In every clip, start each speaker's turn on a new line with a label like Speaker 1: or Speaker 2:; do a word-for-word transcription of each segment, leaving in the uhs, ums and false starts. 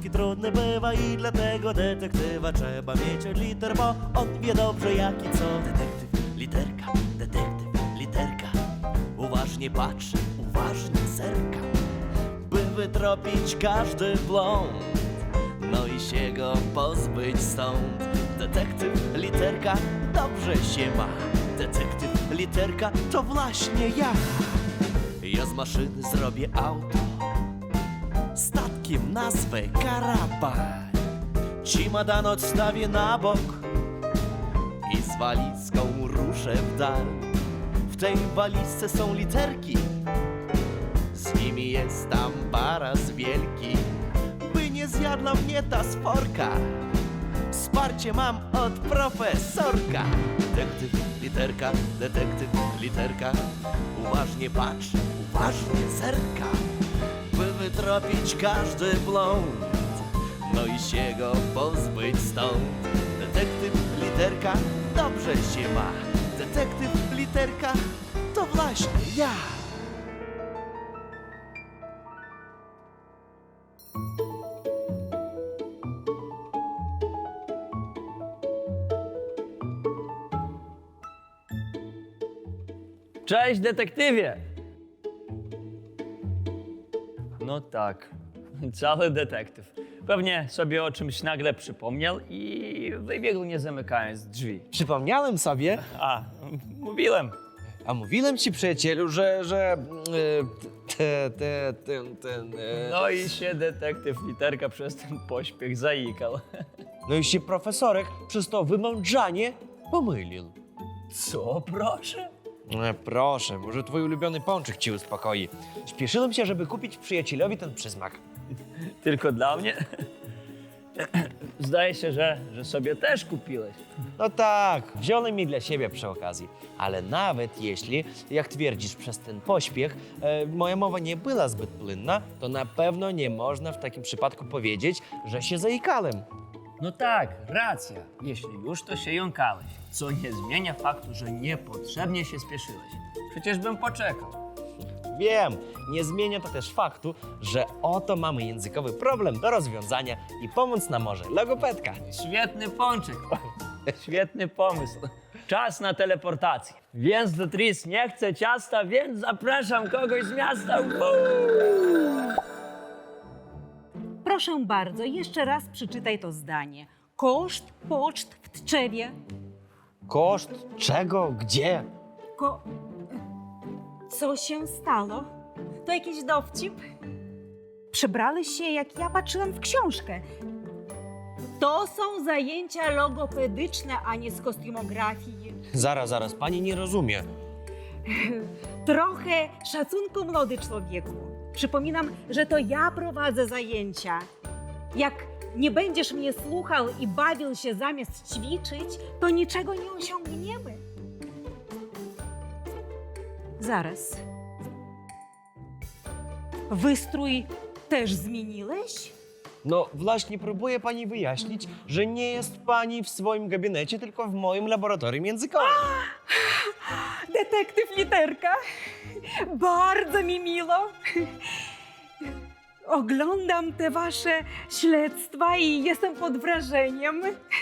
Speaker 1: angielski trudny bywa i dlatego detektywa trzeba mieć od liter, bo on wie dobrze jak i co. Detektyw, literka, detektyw, literka. Uważnie patrzy, uważnie zerka, by wytropić każdy błąd, no i się go pozbyć stąd. Detektyw, literka, dobrze się ma. Detektyw, literka, to właśnie ja. Ja z maszyny zrobię auto, statkiem nazwę karaban. Cimadan odstawię na bok i z walizką ruszę w dal. W tej walizce są literki, z nimi jest tam baraz wielki, by nie zjadła mnie ta sporka. Wsparcie mam od profesorka. Detektyw, literka, detektyw, literka. Uważnie patrz, uważnie zerka, by wytropić każdy błąd, no i się go pozbyć stąd. Detektyw, literka, dobrze się ma. Detektyw, literka, to właśnie ja.
Speaker 2: Cześć, detektywie! No tak, cały detektyw. Pewnie sobie o czymś nagle przypomniał i wybiegł, nie zamykając drzwi.
Speaker 3: Przypomniałem sobie,
Speaker 2: A, mówiłem.
Speaker 3: a mówiłem ci, przyjacielu, że, że e, te, te, ten, ten, e,
Speaker 2: No i się detektyw literka przez ten pośpiech zaikał.
Speaker 3: no i się profesorek przez to wymądrzanie pomylił.
Speaker 2: Co, proszę?
Speaker 3: E, proszę, może twój ulubiony pączek ci uspokoi. Śpieszyłem się, żeby kupić przyjacielowi ten przysmak.
Speaker 2: Tylko dla mnie? Zdaje się, że, że sobie też kupiłeś.
Speaker 3: No tak, wziąłem mi dla siebie przy okazji. Ale nawet jeśli, jak twierdzisz, przez ten pośpiech e, moja mowa nie była zbyt płynna, to na pewno nie można w takim przypadku powiedzieć, że się zaikałem.
Speaker 2: No tak, racja. Jeśli już, to się jąkałeś. Co nie zmienia faktu, że niepotrzebnie się spieszyłeś. Przecież bym poczekał.
Speaker 3: Wiem, nie zmienia to też faktu, że oto mamy językowy problem do rozwiązania i pomóc nam może logopedka.
Speaker 2: Świetny pączek. Świetny pomysł. Czas na teleportację. Więc do Tris nie chce ciasta, więc zapraszam kogoś z miasta. Uuu!
Speaker 4: Proszę bardzo, jeszcze raz przeczytaj to zdanie. Koszt poczt w Tczewie.
Speaker 3: Koszt czego, gdzie?
Speaker 4: Ko... Co się stało? To jakiś dowcip? Przebrali się, jak ja patrzyłam w książkę. To są zajęcia logopedyczne, a nie z kostiumografii.
Speaker 3: Zaraz, zaraz, pani nie rozumie.
Speaker 4: Trochę szacunku, młody człowieku. Przypominam, że to ja prowadzę zajęcia. Jak nie będziesz mnie słuchał i bawił się zamiast ćwiczyć, to niczego nie osiągniemy. Zaraz. Wystrój też zmieniłeś?
Speaker 3: No właśnie próbuję pani wyjaśnić, że nie jest pani w swoim gabinecie, tylko w moim laboratorium językowym.
Speaker 4: Detektyw Literka. Bardzo mi miło. Oglądam te wasze śledztwa i jestem pod wrażeniem.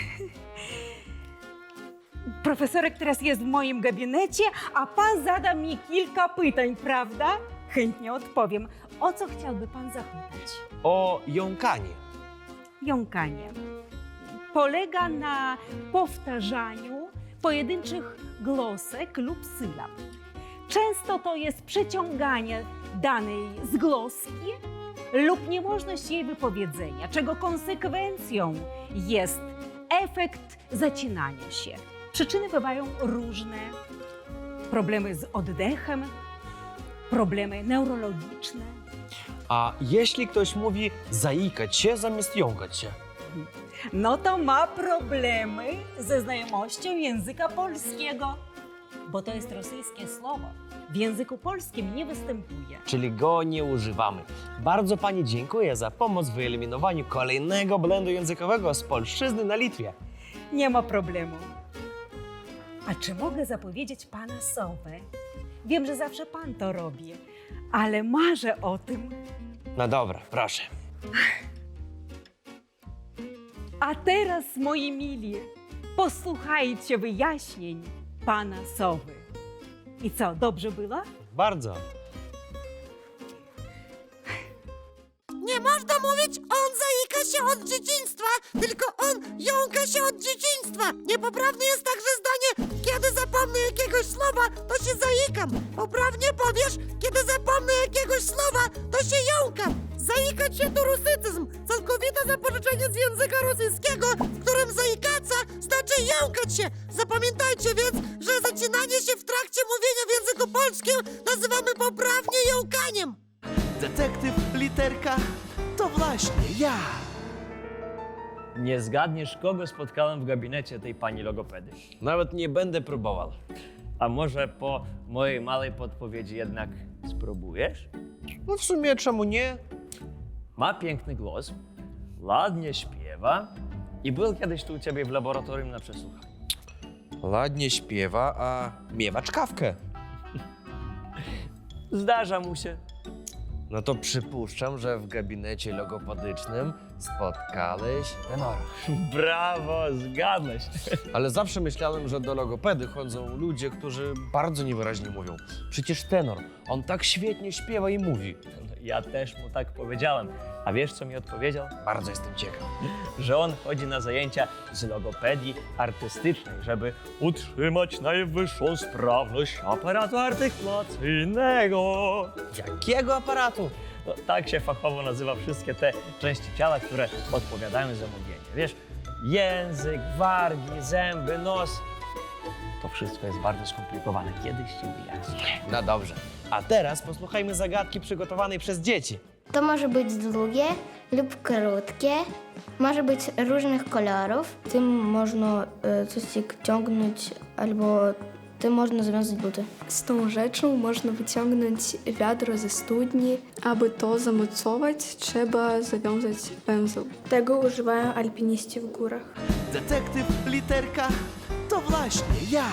Speaker 4: Profesorek teraz jest w moim gabinecie, a pan zada mi kilka pytań, prawda? Chętnie odpowiem. O co chciałby pan zapytać?
Speaker 3: O jąkanie.
Speaker 4: Jąkanie polega na powtarzaniu pojedynczych głosek lub sylab. Często to jest przeciąganie danej zgłoski lub niemożność jej wypowiedzenia, czego konsekwencją jest efekt zacinania się. Przyczyny bywają różne. Problemy z oddechem, problemy neurologiczne.
Speaker 3: A jeśli ktoś mówi zaikać się zamiast jąkać się?
Speaker 4: No to ma problemy ze znajomością języka polskiego, bo to jest rosyjskie słowo. W języku polskim nie występuje.
Speaker 3: Czyli go nie używamy. Bardzo pani dziękuję za pomoc w wyeliminowaniu kolejnego błędu językowego z polszczyzny na Litwie.
Speaker 4: Nie ma problemu. A czy mogę zapowiedzieć pana sowę? Wiem, że zawsze pan to robi, ale marzę o tym.
Speaker 3: No dobra, proszę.
Speaker 4: A teraz, moi mili, posłuchajcie wyjaśnień pana Sowy. I co, dobrze było?
Speaker 3: Bardzo.
Speaker 5: Nie można mówić, on zaika się od dzieciństwa, tylko on jąka się od dzieciństwa. Niepoprawne jest także zdanie, kiedy zapomnę jakiegoś słowa, to się zaikam. Poprawnie powiesz, kiedy zapomnę jakiegoś słowa, to się jąkam. Zaikać się to rusycyzm, całkowite zapożyczenie z języka rosyjskiego, w którym zaikaca znaczy jąkać się. Zapamiętajcie więc, że zacinanie się w trakcie mówienia w języku polskim nazywamy poprawnie jąkaniem.
Speaker 1: Detektyw Literka to właśnie ja.
Speaker 2: Nie zgadniesz, kogo spotkałem w gabinecie tej pani logopedy.
Speaker 3: Nawet nie będę próbował.
Speaker 2: A może po mojej małej podpowiedzi jednak spróbujesz?
Speaker 3: No w sumie czemu nie?
Speaker 2: Ma piękny głos, ładnie śpiewa i był kiedyś tu u ciebie w laboratorium na przesłuchaniu.
Speaker 3: Ładnie śpiewa, a miewa czkawkę.
Speaker 2: Zdarza mu się.
Speaker 3: No to przypuszczam, że w gabinecie logopedycznym spotkałeś tenora.
Speaker 2: Brawo, zgadłeś.
Speaker 3: Ale zawsze myślałem, że do logopedy chodzą ludzie, którzy bardzo niewyraźnie mówią. Przecież tenor, on tak świetnie śpiewa i mówi.
Speaker 2: Ja też mu tak powiedziałem. A wiesz, co mi odpowiedział?
Speaker 3: Bardzo jestem ciekaw.
Speaker 2: Że on chodzi na zajęcia z logopedii artystycznej, żeby utrzymać najwyższą sprawność aparatu artykulacyjnego.
Speaker 3: Jakiego aparatu?
Speaker 2: No, tak się fachowo nazywa wszystkie te części ciała, które odpowiadają za mówienie. Wiesz, język, wargi, zęby, nos. To wszystko jest bardzo skomplikowane. Kiedyś ci wyjaśnię.
Speaker 3: No dobrze. A teraz posłuchajmy zagadki przygotowanej przez dzieci.
Speaker 6: To może być długie lub krótkie, może być różnych kolorów. Tym można e, coś ciągnąć albo tym można związać buty.
Speaker 7: Z tą rzeczą można wyciągnąć wiadro ze studni. Aby to zamocować, trzeba zawiązać węzeł. Tego używają alpiniści w górach.
Speaker 1: Detektyw Literka to właśnie ja.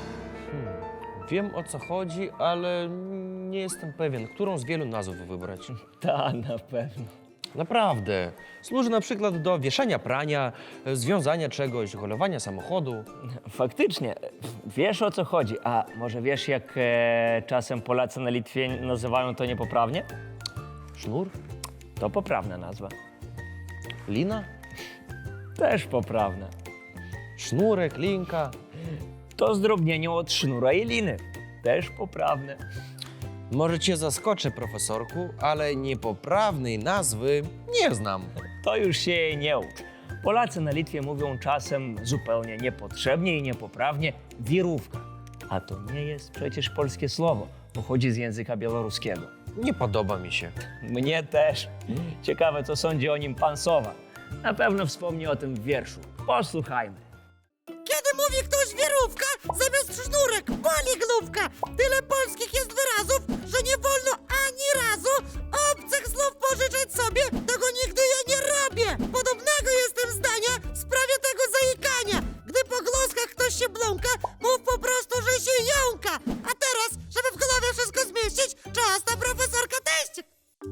Speaker 3: Wiem, o co chodzi, ale nie jestem pewien, którą z wielu nazw wybrać.
Speaker 2: Ta, na pewno.
Speaker 3: Naprawdę. Służy na przykład do wieszania prania, związania czegoś, holowania samochodu.
Speaker 2: Faktycznie, wiesz, o co chodzi. A może wiesz, jak e, czasem Polacy na Litwie nazywają to niepoprawnie?
Speaker 3: Sznur?
Speaker 2: To poprawna nazwa.
Speaker 3: Lina?
Speaker 2: Też poprawna.
Speaker 3: Sznurek, linka.
Speaker 2: To zdrobnienie od sznura i liny. Też poprawne.
Speaker 3: Może cię zaskoczę, profesorku, ale niepoprawnej nazwy nie znam.
Speaker 2: To już się jej nie ucz. Polacy na Litwie mówią czasem zupełnie niepotrzebnie i niepoprawnie wirówka. A to nie jest przecież polskie słowo. Pochodzi z języka białoruskiego.
Speaker 3: Nie podoba mi się.
Speaker 2: Mnie też. Ciekawe, co sądzi o nim pan Sowa. Na pewno wspomni o tym w wierszu. Posłuchajmy.
Speaker 5: Kiedy mówi ktoś wirówka, zamiast sznurek boli główka. Tyle polskich jest wyrazów, że nie wolno ani razu obcych słów pożyczać sobie. Tego nigdy ja nie robię. Podobnego jestem zdania w sprawie tego zaikania. Gdy po głoskach ktoś się bląka, mów po prostu, że się jąka. A teraz, żeby w głowie wszystko zmieścić, czas na profesorka teścik.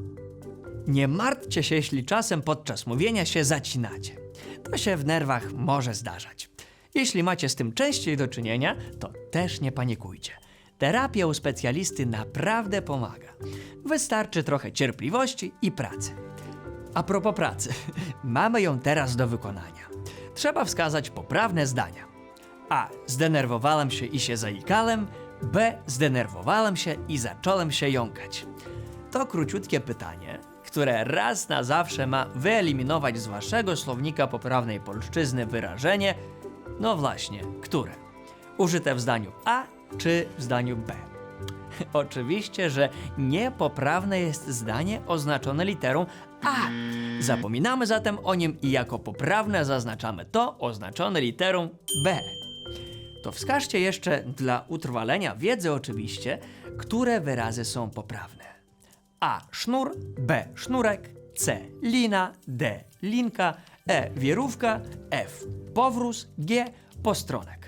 Speaker 8: Nie martwcie się, jeśli czasem podczas mówienia się zacinacie. To się w nerwach może zdarzać. Jeśli macie z tym częściej do czynienia, to też nie panikujcie. Terapia u specjalisty naprawdę pomaga. Wystarczy trochę cierpliwości i pracy. A propos pracy, mamy ją teraz do wykonania. Trzeba wskazać poprawne zdania. A. Zdenerwowałem się i się zaikałem. B. Zdenerwowałem się i zacząłem się jąkać. To króciutkie pytanie, które raz na zawsze ma wyeliminować z waszego słownika poprawnej polszczyzny wyrażenie, no właśnie, które? Użyte w zdaniu A czy w zdaniu B? Oczywiście, że niepoprawne jest zdanie oznaczone literą A. Zapominamy zatem o nim i jako poprawne zaznaczamy to oznaczone literą B. To wskażcie jeszcze dla utrwalenia wiedzy oczywiście, które wyrazy są poprawne. A. Sznur, B. Sznurek, C. Lina, D. Linka, E. Wirówka, F. Powróz, G. Postronek.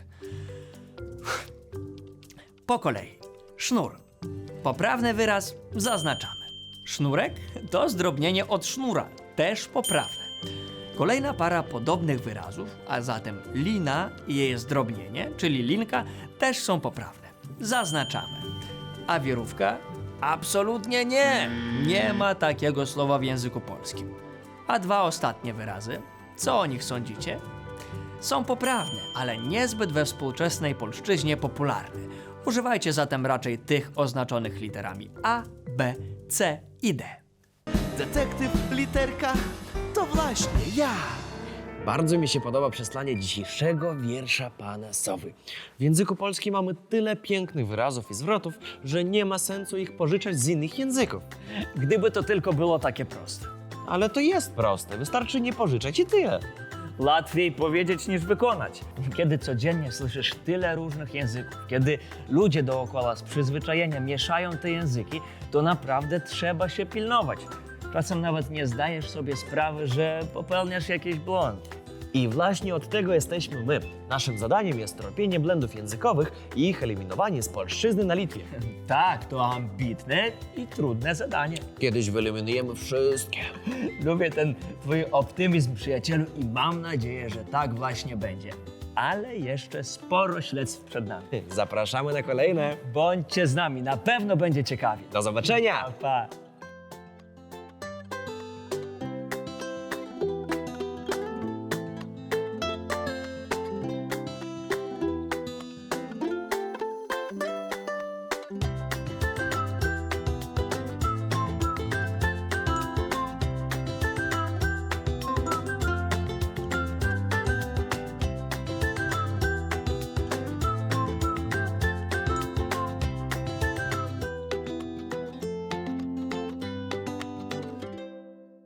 Speaker 8: Po kolei. Sznur. Poprawny wyraz zaznaczamy. Sznurek to zdrobnienie od sznura, też poprawne. Kolejna para podobnych wyrazów, a zatem lina i jej zdrobnienie, czyli linka, też są poprawne. Zaznaczamy. A wirówka? Absolutnie nie! Nie ma takiego słowa w języku polskim. A dwa ostatnie wyrazy, co o nich sądzicie? Są poprawne, ale niezbyt we współczesnej polszczyźnie popularne. Używajcie zatem raczej tych oznaczonych literami A, B, C i D.
Speaker 1: Detektyw literka to właśnie ja.
Speaker 3: Bardzo mi się podoba przesłanie dzisiejszego wiersza pana Sowy. W języku polskim mamy tyle pięknych wyrazów i zwrotów, że nie ma sensu ich pożyczać z innych języków.
Speaker 2: Gdyby to tylko było takie proste.
Speaker 3: Ale to jest proste, wystarczy nie pożyczać i tyle.
Speaker 2: Łatwiej powiedzieć niż wykonać. Kiedy codziennie słyszysz tyle różnych języków, kiedy ludzie dookoła z przyzwyczajenia mieszają te języki, to naprawdę trzeba się pilnować. Czasem nawet nie zdajesz sobie sprawy, że popełniasz jakiś błąd.
Speaker 3: I właśnie od tego jesteśmy my. Naszym zadaniem jest tropienie błędów językowych i ich eliminowanie z polszczyzny na Litwie.
Speaker 2: Tak, to ambitne i trudne zadanie.
Speaker 3: Kiedyś wyeliminujemy wszystkie.
Speaker 2: Lubię ten twój optymizm, przyjacielu, i mam nadzieję, że tak właśnie będzie. Ale jeszcze sporo śledztw przed nami.
Speaker 3: Zapraszamy na kolejne.
Speaker 2: Bądźcie z nami, na pewno będzie ciekawie.
Speaker 3: Do zobaczenia!
Speaker 2: Pa, pa.